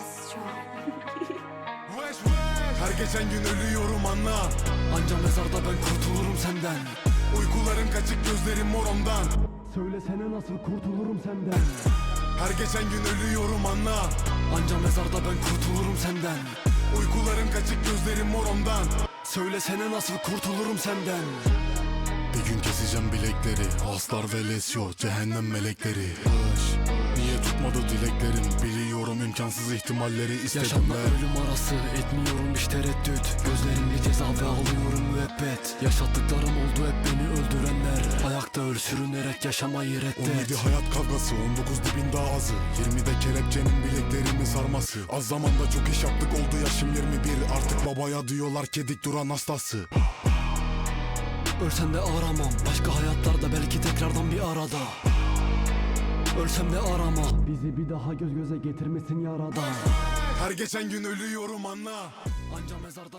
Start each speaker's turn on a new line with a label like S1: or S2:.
S1: Her geçen gün ölüyorum anla. Anca mezarda ben kurtulurum senden. Uykularım kaçık, gözlerim mor ondan.
S2: Söylesene nasıl kurtulurum senden.
S1: Her geçen gün ölüyorum anla. Anca mezarda ben kurtulurum senden. Uykularım kaçık, gözlerim mor ondan. Söylesene nasıl kurtulurum senden. Bir gün keseceğim bilekleri, aslar ve lesyo, cehennem melekleri. Niye tutmadı dileklerim, biliyorum imkansız ihtimalleri istedim. Yaşamla ölüm arası etmiyorum hiç tereddüt. Gözlerimde ceza ve alıyorum müebbet. Yaşattıklarım oldu hep beni öldürenler. Ayakta öl sürünerek yaşamayı reddet. 17 hayat kavgası, 19 dibin daha azı. 20'de kelepçenin bileklerimi sarması. Az zamanda çok iş yaptık, oldu yaşım 21. Artık babaya diyorlar ki dik duran hastası. Ölsem de aramam, başka hayatlarda belki tekrardan bir arada. Ölsem de arama,
S2: Bizi bir daha göz göze getirmesin yaradan.
S1: her geçen gün ölüyorum anla. Anca mezarda